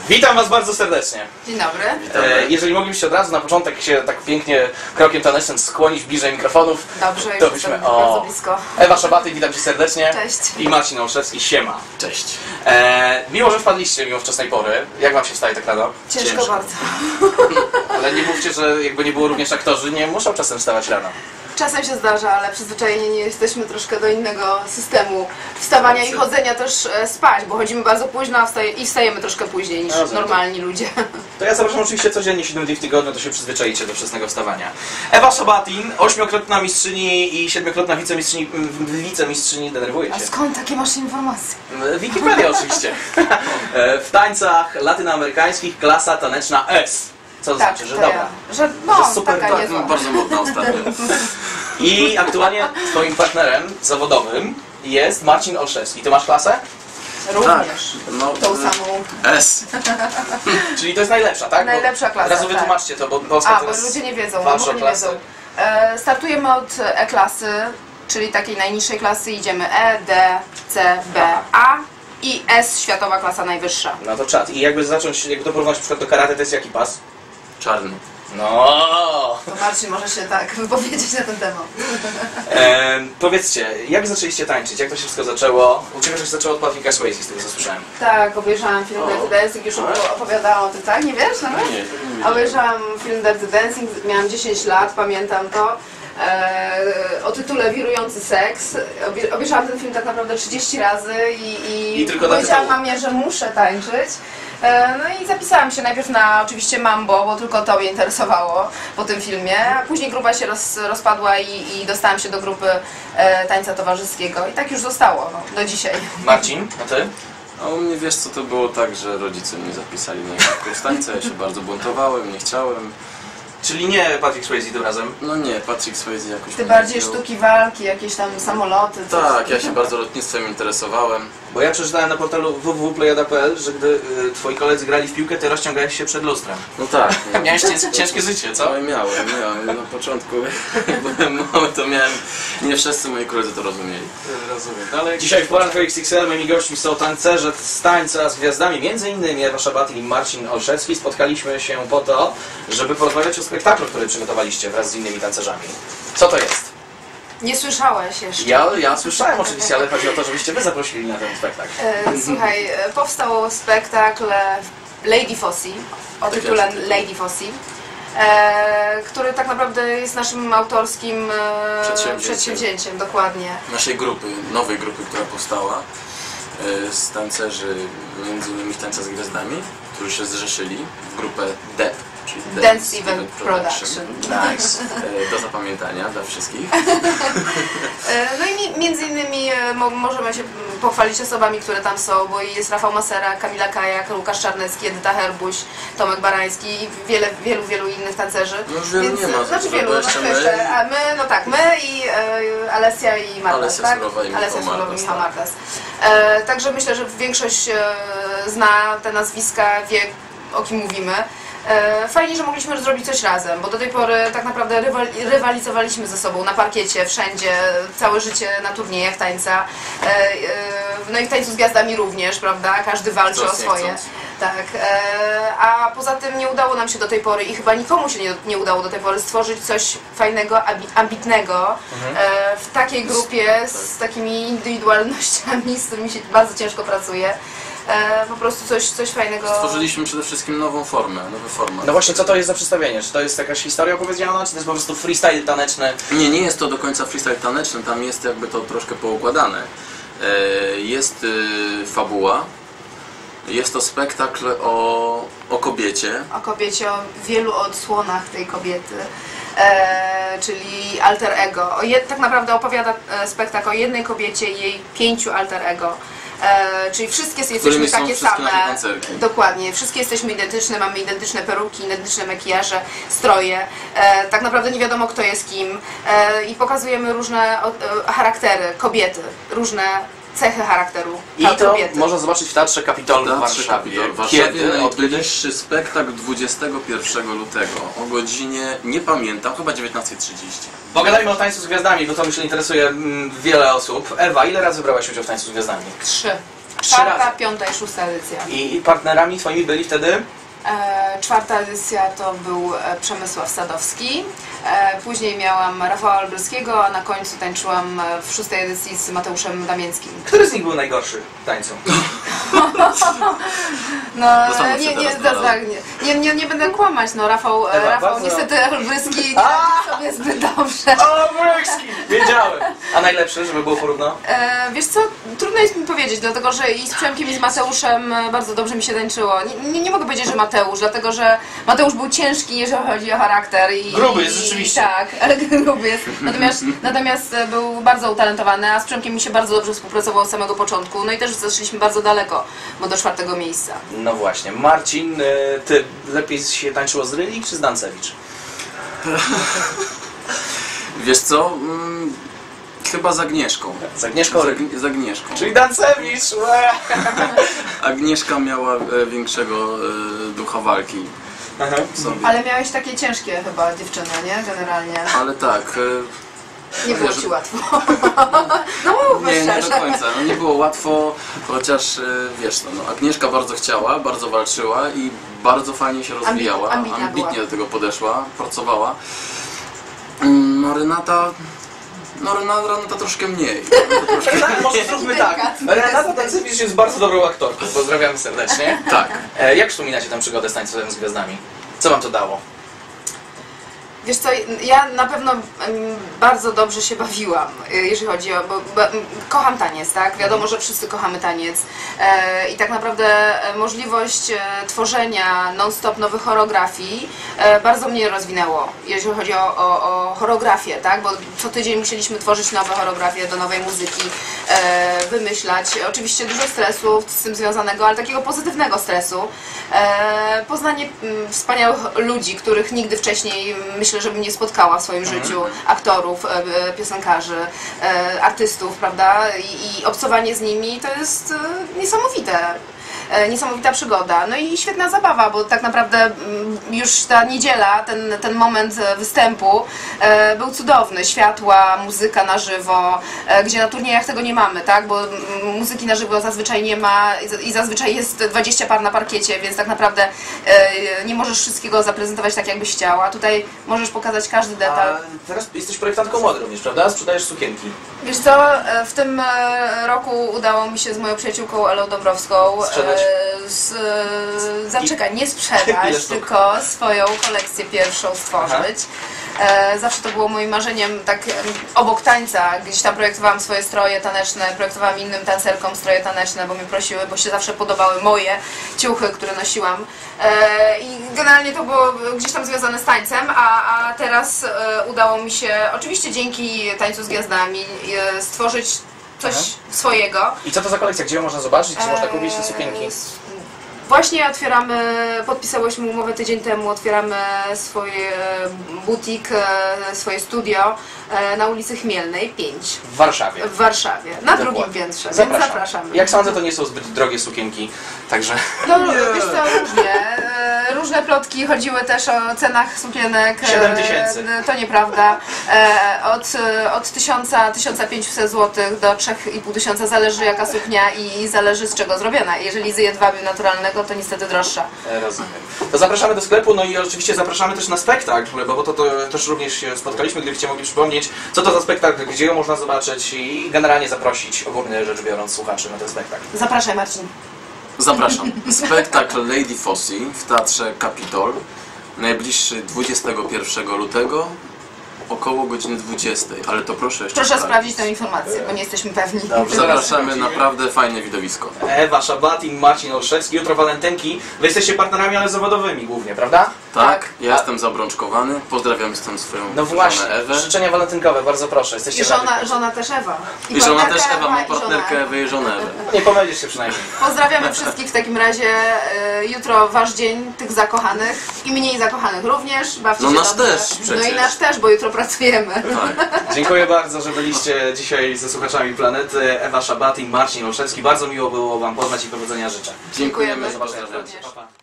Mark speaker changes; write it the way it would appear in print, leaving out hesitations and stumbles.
Speaker 1: Witam Was bardzo serdecznie.
Speaker 2: Dzień dobry.
Speaker 1: Jeżeli moglibyście od razu na początek się tak pięknie krokiem tanecznym skłonić bliżej mikrofonów.
Speaker 2: Dobrze,
Speaker 1: to
Speaker 2: już
Speaker 1: byśmy
Speaker 2: bardzo blisko.
Speaker 1: Ewa Szabaty, witam Cię serdecznie.
Speaker 2: Cześć.
Speaker 1: I Marcin Olszewski, siema.
Speaker 3: Cześć.
Speaker 1: Miło, że wpadliście mimo wczesnej pory. Jak Wam się wstaje tak rano?
Speaker 2: Ciężko bardzo.
Speaker 1: Ale nie mówcie, że jakby nie było również aktorzy, nie muszą czasem wstawać rano.
Speaker 2: Czasem się zdarza, ale przyzwyczajeni nie jesteśmy troszkę do innego systemu wstawania i chodzenia też spać, bo chodzimy bardzo późno i wstajemy troszkę później niż normalni ludzie.
Speaker 1: To ja zapraszam oczywiście codziennie 7 dni w tygodniu, to się przyzwyczaicie do wczesnego wstawania. Ewa Szabatin, 8-krotna mistrzyni i 7-krotna wicemistrzyni, denerwuje się.
Speaker 2: A skąd takie masz informacje?
Speaker 1: Wikipedia oczywiście. W tańcach latynoamerykańskich klasa taneczna S. Co to
Speaker 2: Tak,
Speaker 1: znaczy, że
Speaker 2: to
Speaker 1: dobra?
Speaker 2: ja. Że super, taka
Speaker 3: Tak,
Speaker 2: niezła.
Speaker 3: bardzo modna ostatnio.
Speaker 1: I aktualnie twoim partnerem zawodowym jest Marcin Olszewski. Ty masz klasę?
Speaker 2: Również.
Speaker 3: No,
Speaker 2: Tą samą.
Speaker 3: S.
Speaker 1: Czyli to jest najlepsza, tak?
Speaker 2: Najlepsza klasa,
Speaker 1: Teraz
Speaker 2: tak.
Speaker 1: wytłumaczcie to, bo Polska
Speaker 2: Bo
Speaker 1: teraz
Speaker 2: ludzie nie wiedzą,
Speaker 1: walczy
Speaker 2: może
Speaker 1: o
Speaker 2: nie
Speaker 1: klasę.
Speaker 2: wiedzą. Startujemy od E-klasy, czyli takiej najniższej klasy, idziemy E, D, C, B, A i S, światowa klasa najwyższa.
Speaker 1: No to czad. I jakby zacząć, jakby to porównać na przykład do karate, to jest jaki pas?
Speaker 3: Czarny.
Speaker 1: No.
Speaker 2: To Marcin może się tak wypowiedzieć na ten temat.
Speaker 1: Powiedzcie, jak zaczęliście tańczyć? Jak to się wszystko zaczęło? U Ciebie to się zaczęło od Patricka Swayze, z tego co słyszałem.
Speaker 2: Tak, obejrzałam film Dirty Dancing, już opowiadałam o tym, tak? Nie wiesz nawet?
Speaker 3: Nie.
Speaker 2: Obejrzałam film Dirty Dancing, miałam 10 lat, pamiętam to. O tytule Wirujący seks. Obejrzałam ten film tak naprawdę 30 razy i
Speaker 1: tylko na
Speaker 2: powiedziałam
Speaker 1: tytuł.
Speaker 2: mamie, że muszę tańczyć. No i zapisałam się najpierw na oczywiście Mambo, bo tylko to mnie interesowało po tym filmie, a później grupa się rozpadła i dostałam się do grupy tańca towarzyskiego i tak już zostało, no, do dzisiaj.
Speaker 1: Marcin, a Ty?
Speaker 3: A u mnie wiesz co, to było tak, że rodzice mnie zapisali na jakiś kurs tańca, ja się bardzo buntowałem, nie chciałem.
Speaker 1: Czyli nie Patrick Swayze tym razem?
Speaker 3: No nie, Patrick Swayze jakoś
Speaker 2: Ty
Speaker 3: mnie
Speaker 2: bardziej
Speaker 3: wziął.
Speaker 2: sztuki walki, jakieś tam samoloty. coś.
Speaker 3: Tak, ja się bardzo lotnictwem interesowałem.
Speaker 1: Bo ja przeczytałem na portalu www.plejada.pl, że gdy Twoi koledzy grali w piłkę, Ty rozciągałeś się przed lustrem.
Speaker 3: No tak.
Speaker 1: Miałeś ciężkie życie, co?
Speaker 3: No miałem. Na początku, jak byłem mały, to miałem... Nie wszyscy moi koledzy to rozumieli.
Speaker 1: Rozumiem. No, ale dzisiaj w poranku XXL moimi gośćmi są tancerze z tańca z gwiazdami, między innymi Ewa Szabaty i Marcin Olszewski. Spotkaliśmy się po to, żeby porozmawiać o spektaklu, który przygotowaliście wraz z innymi tancerzami. Co to jest?
Speaker 2: Nie słyszałeś jeszcze.
Speaker 1: Ja słyszałem oczywiście, ale chodzi o to, żebyście Wy zaprosili na ten spektakl.
Speaker 2: Słuchaj, powstał spektakl Lady Fossey, o tytule Lady Fossey, który tak naprawdę jest naszym autorskim przedsięwzięciem, dokładnie.
Speaker 3: Naszej grupy, nowej grupy, która powstała z tancerzy, między innymi tańca z gwiazdami, którzy się zrzeszyli w grupę DEP, czyli
Speaker 2: Dance Event Production.
Speaker 3: Nice. Do zapamiętania dla wszystkich.
Speaker 2: No i między innymi możemy się pochwalić osobami, które tam są, bo jest Rafał Masera, Kamila Kajak, Łukasz Czarnecki, Edyta Herbuś, Tomek Barański i wielu innych tancerzy.
Speaker 3: No już wielu nie ma.
Speaker 2: Znaczy wielu, a my, no tak, my i Alesja i Martas,
Speaker 3: Alesja
Speaker 2: tak?
Speaker 3: Surowa i
Speaker 2: Alesja
Speaker 3: Michał
Speaker 2: Surowa i
Speaker 3: Martas,
Speaker 2: Michał
Speaker 3: tak.
Speaker 2: Martas. Także myślę, że większość zna te nazwiska, wie o kim mówimy. Fajnie, że mogliśmy zrobić coś razem, bo do tej pory tak naprawdę rywalizowaliśmy ze sobą na parkiecie, wszędzie, całe życie na turniejach tańca. No i w tańcu z gwiazdami również, prawda? Każdy walczy o swoje. Tak. A poza tym nie udało nam się do tej pory i chyba nikomu się nie udało do tej pory stworzyć coś fajnego, ambitnego w takiej grupie z takimi indywidualnościami, z którymi się bardzo ciężko pracuje. Po prostu coś fajnego.
Speaker 3: Stworzyliśmy przede wszystkim nową formę, nowy format.
Speaker 1: No właśnie, co to jest za przedstawienie? Czy to jest jakaś historia opowiedziana, czy to jest po prostu freestyle taneczny?
Speaker 3: Nie jest to do końca freestyle taneczny, tam jest jakby to troszkę poukładane. Jest fabuła, jest to spektakl o kobiecie.
Speaker 2: O kobiecie, o wielu odsłonach tej kobiety, czyli alter ego. Tak naprawdę opowiada spektakl o jednej kobiecie i jej 5 alter ego. Czyli wszystkie jesteśmy takie same. Dokładnie, wszystkie jesteśmy identyczne, mamy identyczne peruki, identyczne makijaże, stroje. Tak naprawdę nie wiadomo kto jest kim i pokazujemy różne charaktery, kobiety, różne cechy charakteru
Speaker 1: I to
Speaker 2: kobiety.
Speaker 1: można zobaczyć w Teatrze Kapitol w
Speaker 3: Teatrze
Speaker 1: Warszawie.
Speaker 3: Kapitol w Warszawie.
Speaker 1: Kiedy? Od kiedy?
Speaker 3: Najbliższy spektakl 21 lutego o godzinie, nie pamiętam, chyba 19:30.
Speaker 1: Pogadajmy o Tańcu z Gwiazdami, bo to myślę interesuje wiele osób. Ewa, ile razy brałaś udział w Tańcu z Gwiazdami?
Speaker 2: 3.
Speaker 1: Trzy
Speaker 2: Czwarta,
Speaker 1: razy.
Speaker 2: piąta i szósta edycja.
Speaker 1: I partnerami twoimi byli wtedy?
Speaker 2: Czwarta edycja to był Przemysław Sadowski, później miałam Rafała Olbryskiego, a na końcu tańczyłam w szóstej edycji z Mateuszem Damięckim.
Speaker 1: Który z nich był najgorszy w tańcu?
Speaker 2: No,
Speaker 3: Zastanów się teraz,
Speaker 2: nie będę kłamać, no Rafał
Speaker 1: bardzo-
Speaker 2: niestety Olbryski nie radzi sobie zbyt dobrze.
Speaker 1: Olbryski! Wiedziałem! A najlepszy, żeby było porówno?
Speaker 2: Wiesz co, trudno jest mi powiedzieć, dlatego że i z Przemkiem i z Mateuszem bardzo dobrze mi się tańczyło. Nie mogę powiedzieć, że Mateusz, dlatego że Mateusz był ciężki, jeżeli chodzi o charakter.
Speaker 1: Gruby jest rzeczywiście.
Speaker 2: Tak, ale gruby jest. Natomiast był bardzo utalentowany, a z Przemkiem mi się bardzo dobrze współpracowało od samego początku. No i też zeszliśmy bardzo daleko, bo do 4. miejsca.
Speaker 1: No właśnie. Marcin, ty lepiej się tańczyło z Rylik czy z Dancewicz?
Speaker 3: Wiesz co? Chyba z Agnieszką.
Speaker 1: Z Agnieszką?
Speaker 3: Z Agnieszką.
Speaker 1: Czyli Dancewicz! łe!
Speaker 3: Agnieszka miała większego ducha walki w sobie.
Speaker 2: Ale miałeś takie ciężkie chyba dziewczyny, nie? Generalnie.
Speaker 3: Ale tak,
Speaker 2: Nie było ci łatwo. No mówmy
Speaker 3: nie do
Speaker 2: szczerze.
Speaker 3: końca. No, nie było łatwo, chociaż wiesz, no, Agnieszka bardzo chciała, bardzo walczyła i bardzo fajnie się rozwijała.
Speaker 2: ambitna
Speaker 3: Ambitnie
Speaker 2: była.
Speaker 3: do tego podeszła, pracowała. No Renata troszkę mniej.
Speaker 1: Może zróbmy tak. Renata Dancewicz jest bardzo dobrą aktorką. Pozdrawiamy serdecznie.
Speaker 3: Tak.
Speaker 1: Jak wspominacie tę przygodę z Tańcem z Gwiazdami? Co wam to dało?
Speaker 2: Wiesz co, ja na pewno bardzo dobrze się bawiłam, jeżeli chodzi o... Bo kocham taniec, tak? Wiadomo, że wszyscy kochamy taniec. I tak naprawdę możliwość tworzenia non-stop nowych choreografii bardzo mnie rozwinęło, jeżeli chodzi o choreografię, tak? Bo co tydzień musieliśmy tworzyć nowe choreografie do nowej muzyki, wymyślać. Oczywiście dużo stresu z tym związanego, ale takiego pozytywnego stresu. Poznanie wspaniałych ludzi, których nigdy wcześniej myślę, żebym nie spotkała w swoim życiu, aktorów, piosenkarzy, artystów, prawda? I obcowanie z nimi to jest niesamowite. Niesamowita przygoda. No i świetna zabawa, bo tak naprawdę już ta niedziela, ten moment występu był cudowny. Światła, muzyka na żywo, gdzie na turniejach tego nie mamy, tak? Bo muzyki na żywo zazwyczaj nie ma i zazwyczaj jest 20 par na parkiecie, więc tak naprawdę nie możesz wszystkiego zaprezentować tak, jakbyś chciała. Tutaj możesz pokazać każdy detal.
Speaker 1: A teraz jesteś projektantką mody również, prawda? Sprzedajesz sukienki.
Speaker 2: Wiesz co, w tym roku udało mi się z moją przyjaciółką Elą Dąbrowską
Speaker 1: Sprzedać?
Speaker 2: zaczekaj, nie
Speaker 1: Ile
Speaker 2: sprzedać,
Speaker 1: sztuk?
Speaker 2: tylko swoją kolekcję pierwszą stworzyć. Zawsze to było moim marzeniem, tak obok tańca, gdzieś tam projektowałam swoje stroje taneczne, projektowałam innym tancerkom stroje taneczne, bo mnie prosiły, bo się zawsze podobały moje ciuchy, które nosiłam. I generalnie to było gdzieś tam związane z tańcem, a teraz udało mi się, oczywiście dzięki Tańcu z Gwiazdami, stworzyć coś swojego.
Speaker 1: I co to za kolekcja? Gdzie ją można zobaczyć? Czy można kupić te sukienki?
Speaker 2: Właśnie otwieramy, podpisałyśmy umowę tydzień temu, otwieramy swoje butik, swoje studio na ulicy Chmielnej 5
Speaker 1: W Warszawie.
Speaker 2: w Warszawie, na
Speaker 1: Dokładnie.
Speaker 2: drugim piętrze, więc zapraszamy.
Speaker 1: Jak sądzę, to nie są zbyt drogie sukienki, także...
Speaker 2: No wiesz co, różnie. Różne plotki chodziły też o cenach sukienek.
Speaker 1: 7000.
Speaker 2: To nieprawda. Od 1000-1500 zł do 3500 zależy jaka suknia i zależy z czego zrobiona. Jeżeli z jedwabiu naturalnego, to niestety droższa.
Speaker 1: Rozumiem. To zapraszamy do sklepu, no i oczywiście zapraszamy też na spektakl, bo to też również się spotkaliśmy, gdybyście mogli przypomnieć, co to za spektakl, gdzie go można zobaczyć i generalnie zaprosić, ogólnie rzecz biorąc, słuchaczy na ten spektakl.
Speaker 2: Zapraszaj, Marcin.
Speaker 3: Zapraszam. Spektakl Lady Fossey w Teatrze Kapitol. Najbliższy 21 lutego około godziny 20. Ale to proszę jeszcze
Speaker 2: Proszę sprawdzić tę informację, bo nie jesteśmy pewni.
Speaker 1: Dobrze.
Speaker 3: Zapraszamy, naprawdę fajne widowisko.
Speaker 1: Ewa Szabatin, Marcin Olszewski, jutro walentynki. Wy jesteście partnerami, ale zawodowymi głównie, prawda?
Speaker 3: Tak, ja jestem zabrączkowany. Pozdrawiam stąd swoją
Speaker 1: No
Speaker 3: żonę
Speaker 1: właśnie,
Speaker 3: Ewę.
Speaker 1: życzenia walentynkowe, bardzo proszę. Jesteście
Speaker 2: I żona też Ewa.
Speaker 3: I żona
Speaker 2: partnerka
Speaker 3: też Ewa, mam
Speaker 2: i żona
Speaker 3: partnerkę
Speaker 2: Ewa.
Speaker 3: Ewę i żonę Ewę.
Speaker 1: Nie pomylisz się przynajmniej.
Speaker 2: Pozdrawiamy wszystkich w takim razie. Jutro wasz dzień, tych zakochanych i mniej zakochanych również. Bawcie
Speaker 3: No
Speaker 2: się
Speaker 3: nasz
Speaker 2: dobrze.
Speaker 3: też
Speaker 2: No
Speaker 3: przecież.
Speaker 2: i nasz też, bo jutro pracujemy.
Speaker 3: Tak.
Speaker 1: Dziękuję bardzo, że byliście dzisiaj ze słuchaczami Planety. Ewa Szabat i Marcin Olszewski. Bardzo miło było wam poznać i powodzenia życzę.
Speaker 3: Dziękujemy,
Speaker 2: Dziękujemy.
Speaker 3: pozdrawiam.
Speaker 2: Również.
Speaker 1: Pa, pa.